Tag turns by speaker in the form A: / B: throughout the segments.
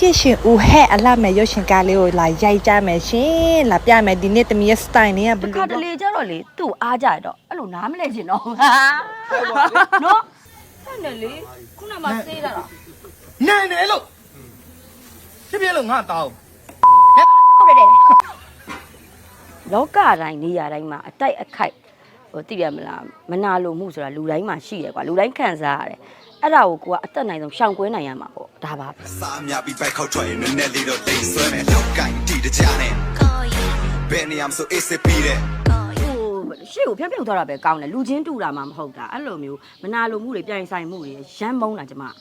A: 谢ရှင်ဦးဟဲ့အလှမဲ့ရုပ်ရှင်ကားလေးကိုလာရိုက်ကြမယ်ရှင်လာပြမယ်ဒီနေ့တမီးရဲ့ style နဲ့ဘယ်လို
B: ခါတလေကြတော့လေသူ့အားကြတော့အဲ့လိုနားမလဲချင်တော့ဟာနော်အဲ့နဲ့လေခုနမှစေးတာလား
C: နိုင်တယ်လို့ဖြစ်ဖြစ်လို့ငါတောင်း
B: ဟုတ်တယ်လောကတိုင်းနေရာတိုင်းမှာအတိုက်အခိုက်ဟိုသိရမလားမနာလိုမှုဆိုတာလူတိုင်းမှာရှိရကွာလူတိုင်းခံစားရတယ်အဲ့ဒါကိုကိုကအသက်နိုင်ဆုံးရှောင်ကွဲနိုင်ရမှာပေါ့ဒါပါပဲ
D: စားများပြီးဘက်ခောက်ထွက်ရင်နည်းနည်းလေးတော့တိတ်ဆွဲမယ်လောက်ကင်တီတကြနဲ့ဘယ်နေရာမှဆိုအေးစစ်ပြီးတဲ့
B: ရှေ့ကိုဖြောက်ဖြောက်သွားတာပဲကောင်းတယ်လူချင်းတူတာမှမဟုတ်တာအဲ့လိုမျိုးမနာလိုမှုတွေပြိုင်ဆိုင်မှုတွေရမ်းမုန်းတာကျမ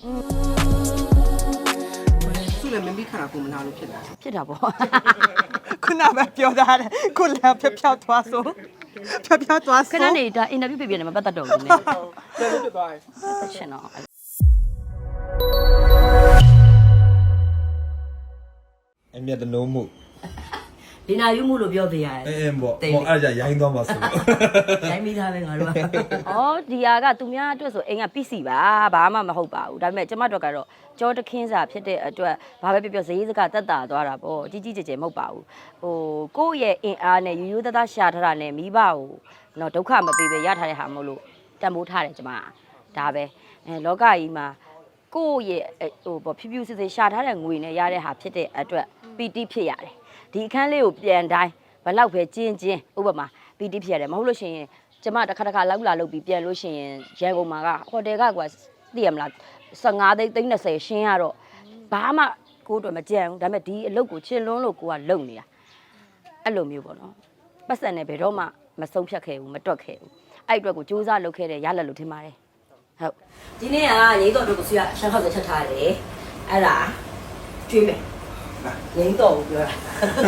E: သူ့လည်းမင်းပြီးခါတာကိုမနာလို့ဖြစ်တာ
B: ဖြစ်တာပေါ့
A: ခုနပဲပြောသားတယ်ခုလည်းဖြောက်သွားဆိုဖြောက်သွား
B: ခ
A: ဆို
B: ဏနေဒါအင်တာဗျူးပြပြနေမှာပတ်သက်တော့ဘူးနည်း
E: တယ်လို့ဖြစ်သွားတယ်
B: ရှင်တော့
F: အမြတ်တနိုးမှု
B: ဒီနာယူမှုလို့ပြောသေးရတယ်
F: အဲပေါ့ဟောအဲ့ဒါရိုင်းသွားမှာဆိုလို့
B: ရိုင်းမိသားပဲငါတို့ကဩဒီဟာကသူများအတွက်ဆိုအိမ်က PC ပါဘာမှမဟုတ်ပါဘူးဒါပေမဲ့ကျမတို့ကတော့ကြောတခင်းစာဖြစ်တဲ့အတွက်ဘာပဲပြောပြောဈေးစကတက်တာသွားတာပေါ့ကြီးကြီးကျယ်ကျယ်မဟုတ်ပါဘူးဟိုကိုယ့်ရဲ့အင်အားနဲ့ရိုးသားသားရှာထားတာနဲ့မိဘကိုတော့ဒုက္ခမပေးပဲရထားတဲ့ဟာမဟုတ်လို့တန်ဖိုးထားတယ်ကျမဒါပဲအဲလောကကြီးမှာကိုယ့်ရဲ့ဟိုပေါ့ဖြူဖြူစစ်စစ်ရှာထားတဲ့ငွေနဲ့ရတဲ့ဟာဖြစ်တဲ့အတွက်ပီတိဖြစ်ရတယ်ဒီအခန်းလေးကိုပြန်တိုင်းဘလောက်ပဲကျင်းဥပမာပီတိဖြစ်ရတယ်မဟုတ်လို့ရှိရင်ကျမတစ်ခါလောက်လာလုပ်ပြီးပြန်လို့ရှိရင်ရန်ကုန်မှာကဟိုတယ်ကကွာသိရမလား15သိန်း30ရှင်းရတော့ဘာမှကိုယ်တို့မကြံဘူးဒါပေမဲ့ဒီအလုပ်ကိုချင်လွန်းလို့ကိုကလုံနေတာအဲ့လိုမျိုးပေါ့နော်ပတ်စံနဲ့ဘယ်တော့မှမဆုံးဖြတ်ခဲ့ဘူးမတွက်ခဲ့ဘူးအဲ့အတွက်ကိုစူးစမ်းလုပ်ခဲ့တဲ့ရလက်လို့ထင်ပါတယ်ဟုတ်ဒီနေ့ကရိတ်တော်တို့ကိုဆွေးရရှမ်းခောက်ချက်ထားတယ်အဲ့ဒါကျွေးမယ်ရင်းတော့ပြောတာ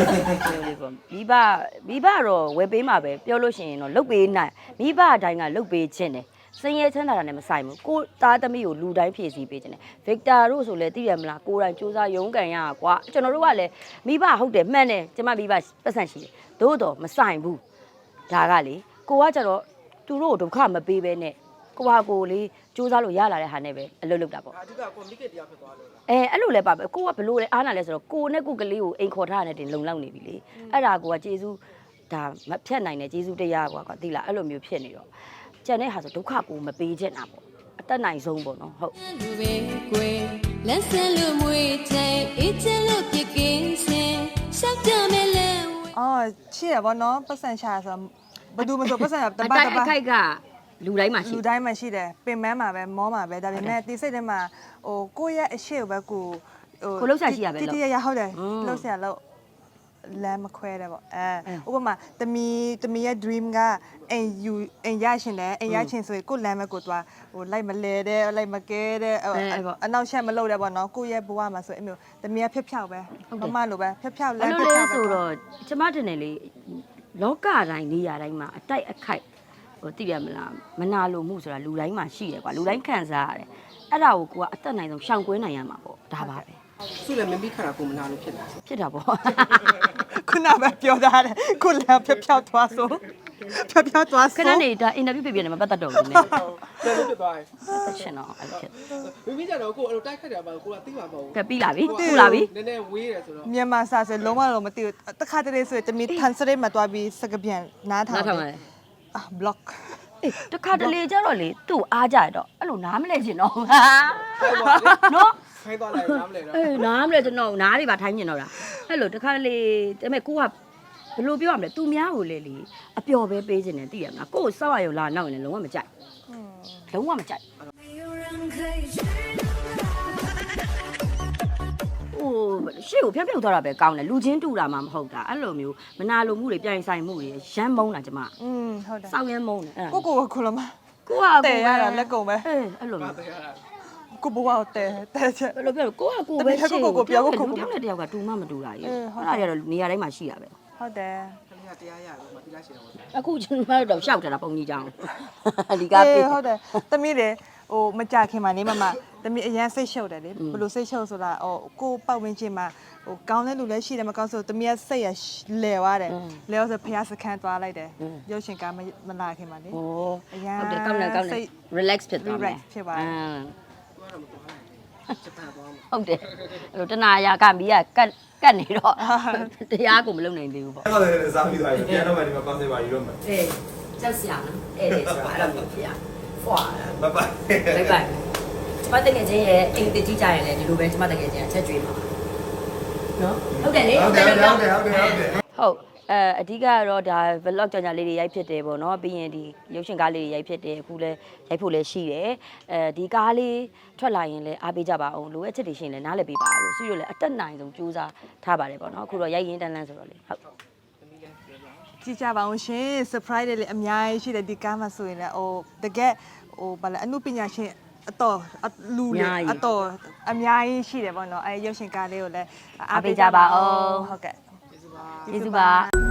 B: မိဘတော့ဝယ်ပေးမှာပဲပြောလို့ရှိရင်တော့လုတ်ပေးနိုင်မိဘအတိုင်းကလုတ်ပေးခြင်းတယ်စင်ရဲချမ်းသာတာနဲ့မဆိုင်ဘူးကိုသားသမီးကိုလူတိုင်းဖြည့်ဆည်းပေးခြင်းတယ်ဗစ်တာတို့ဆိုလဲသိရမလားကိုယ်တိုင်စူးစမ်းရုန်းကန်ရကွာကျွန်တော်တို့ကလည်းမိဘဟုတ်တယ်မှန်တယ်ကျမမိဘပတ်စံရှိတယ်သို့တော့မဆိုင်ဘူးဒါကလေကိုကကြတော့သူတို့ဒုက္ခမပေးဘဲနဲ့ကိုဟာကိုလေးစူးစမ်းလို့ရလာတဲ့ဟာနဲ့ပဲအလုပ်လုပ်တာပေါ့
E: အဓိကကွန်မီကတ်တရားဖြစ်သွားလို့လား
B: အဲ့လိုလဲပါပဲကိုကဘလို့လဲအားနာလဲဆိုတော့ကိုနဲ့ကိုကလေးကိုအိမ်ခေါ်ထားရတဲ့တင်လုံလောက်နေပြီလေအဲ့ဒါကိုကကျေးဇူးဒါမဖြတ်နိုင်တဲ့ကျေးဇူးတရားကွာသိလားအဲ့လိုမျိုးဖြစ်နေတော့ကျန်တဲ့ဟာဆိုဒုက္ခကိုမပေးချင်တာပေါ့အတက်နိုင်ဆုံးပေါ့နော်ဟုတ်
G: လက်ဆန်လို့မွေးတဲ့အေးချင်လို့ပြကင်းစင်ရှောက်ကြမယ်လဲ
A: အော်ချစ်ရပါတော့ပတ်စံရှာဆိုဘယ်သူမဆိုပတ်စံတ
B: အ
A: ပတ်
B: တို
A: တ
B: က်အ
A: ပတ်
B: ခိုက်ကလူတိုင်းမှာရှိ
A: လူတိုင်းမှာရှိတယ်ပင်မမှာပဲမောမှာပဲဒါပေမဲ့ဒီစိတ်ထဲမှာဟိုကိုယ့်ရဲ့အရှိကိုပဲကိုတိရရဟုတ်တယ်လှုပ်ရှားလို့လမ်းမခွဲတယ်ပေါ့ဥပမာတမီရဲ့ dream ကအိမ်ရရှင်တယ်အိမ်ရရှင်ဆိုရင်ကိုလမ်းပဲကိုသွားဟိုလိုက်မလဲတဲ့လိုက်မကဲတဲ့အနောက်ရှက်မလုပ်တယ်ပေါ့နော်ကိုရဲ့ဘဝမှာဆိုအမျိုးတမီကဖြောက်ပဲမမလိုပဲဖြောက်လ
B: အဲ့
A: မ်း
B: လို
A: ဖြော
B: လဲ
A: က်ပဲ
B: ဆိုတော့ကျမတင်တယ်လေလောကတိုင်းနေရာတိုင်းမှာအတိုက်အခိုက်ဟိုသိရမလားမနာလိုမှုဆိုတာလူတိုင်းမှာရှိရကွာလူတိုင်းခံစားရတယ်အဲ့ဒါကိုကိုကအသက်နိုင်ဆုံးရှောင်ကွဲနိုင်ရမှာပေါ့ဒါပါပဲ
E: သူ့လည်းမင်းပြီးခါတာကိုမနာလို့ဖြစ်တာ
B: ဖြစ်တာပေါ့
A: ခုနပဲပြောသားတယ်ခုလည်းဖြောက်သွားဆိုဖြောက်သွား
B: ခ
A: ဆို
B: ဏနေဒါအင်တာဗျူးပြပြနေမှာပတ်သက်တော့ဘူးနည်း
E: တယ်လို့ဖြစ်သွားတယ်
B: ရှင်တော့အဲ့လိုဖြစ်
E: မင်းပြီးကြတော့ကိုအဲ့လိုတိုက်ခတ်တယ်ပါကိုကသိမှာမဟုတ်
B: ကဲပြီးလာပြီခုလာပြီ
E: နည်းနည်းဝေးတယ်ဆိုတော့
A: မြန်မာစာဆိုလုံးဝတော့မသိဘူးတခါတလေဆိုတမီထန်စရိတ်မှာတွားပြီးစကပြန်နားထောင်
B: နားထောင်ရတယ်
A: block
B: အေးတခါတလေကြတော့လေသူ့အားကြတော့အဲ့လိုနားမလဲချင်တော့ဟာ နော်
E: ခိုင်းသွားလိုက်နားမလဲတော့
B: အေးနားမလဲကျွန်တော်နားတွေပါထိုင်းမြင်တော့တာအဲ့လိုတခါလေဒါပေမဲ့ကိုကဘယ်လိုပြောရမလဲသူများကိုလေလေအပျော်ပဲပေးခြင်းနဲ့သိရမလားကိုကိုစောက်ရရုံလာနောက်ရင်လည်းလုံးဝမကြိုက်လုံးဝမကြိုက်ဟိုရှေ့ကိုဖြောက်သွားတာပဲကောင်းတယ်လူချင်းတူတာမှမဟုတ်တာအဲ့လိုမျိုးမနာလိုမှုတွေပြိုင်ဆိုင်မှုတွေရမ်းမုန်းတာကျမ
A: ဟုတ်တယ်
B: စောက်ရမ်းမုန်းတယ်အဲ့ဒါ
A: ကိုခုလမ
B: ကိုက
A: တဲရတာလက်ကုန်ပဲ
B: အေးအဲ့လိုမျိုး
A: ကိုဘဝကိုတဲချက်
B: ဘယ်လိုပြောလဲကိုကကိုပဲရှေ့ကိုပြောကိုတယောက်ကတယောက်ကတူမှမတူတာကြီးအဲ့ဒါတွေကတော့နေရာတိုင်းမှာရှိတာပဲ
A: ဟုတ်တယ်
E: ခလေးကတရားရလို့မပြီးလားရှင်တော့
B: အခုကျွန်တော်တို့ရှောက်တာပုံကြီးကြောင်းဒီကပေး
A: ဟုတ်တယ်တမီးတယ်ဟိုမကြခင်မှာနေမမတမီးအရန်စိတ်ရှုပ်တယ်လေဘယ်လိုစိတ်ရှုပ်ဆိုတာဟိုကိုပတ်ဝန်းကျင်မှာဟိုကောင်းတဲ့လူလည်းရှိတယ်မကောင်းဆိုတမီးကစိတ်ရလဲသွားတယ်လဲဆိုဖျားစခန်းသွားလိုက်တယ်ရုပ်ရှင်ကမလာခင်မှာလေ
B: ဟုတ်တယ်ကောင်းတယ် relax ဖြစ်သွားမယ်
A: relax ဖြစ်သွားတယ်
E: သွားတော့မသွားနိုင်ဂျပန်သွားမှာ
B: ဟုတ်တယ်အဲ့လိုတနာရာကမီးကကတ်နေတော့တရားကိုမလုပ်နိုင်သေးဘူးပေါ့
F: အဲ့တော့လည်းစားပြီးသွားပြီပြန်တော့မှဒီမှာပတ်စင်ပါယူတော့မယ်
B: အေးကြောက်စရာနော်အဲ့ဒါဆိုတော့အဲ့လိုမျိုးဖြစ်ရဖွာ
F: ဘိုင်ဘိုင်
B: ဘိုင်ဘိုင်ကျမတကယ်ချင်းရဲ့အိမ်တကြီးကြရင်လည်းဒီလိုပဲကျမတကယ်ချင်းအချက်ကျွေးမှာနော်ဟုတ်တယ်လေ
F: ဟုတ်တယ်ဟုတ်တယ်ဟုတ်တယ်ဟုတ်တယ်
B: ဟုတ်အဓိကကတော့ဒါ vlog ကြောင်ညာလေးတွေရိုက်ဖြစ်တယ်ပေါ့နော်ပြီးရင်ဒီရုပ်ရှင်ကားလေးတွေရိုက်ဖြစ်တယ်အခုလည်းရိုက်ဖို့လည်းရှိတယ်ဒီကားလေးထွက်လာရင်လည်းအားပေးကြပါအောင်လိုအပ်ချက်တွေရှိရင်လည်းနားလည်ပေးပါလို့ဆွေတို့လည်းအတက်နိုင်ဆုံးကြိုးစားထားပါတယ်ပေါ့နော်အခုတော့ရိုက်ရင်းတန်းလန်းဆိုတော့လေဟုတ်
A: ကြည့်ကြပါအောင်ရှင် surprise တွေလည်းအများကြီးရှိတယ်ဒီကားမှာဆိုရင်လည်းဟိုတကယ်ဟိုဘာလဲအမှုပညာရှင်အတော်လူတွေအတော်အများကြီးရှိတယ်ပေါ့နော်အဲရုပ်ရှင်ကားလေးကိုလည်းအားပေးကြပါအောင်ဟုတ်ကဲ့ကျေးဇူးပါ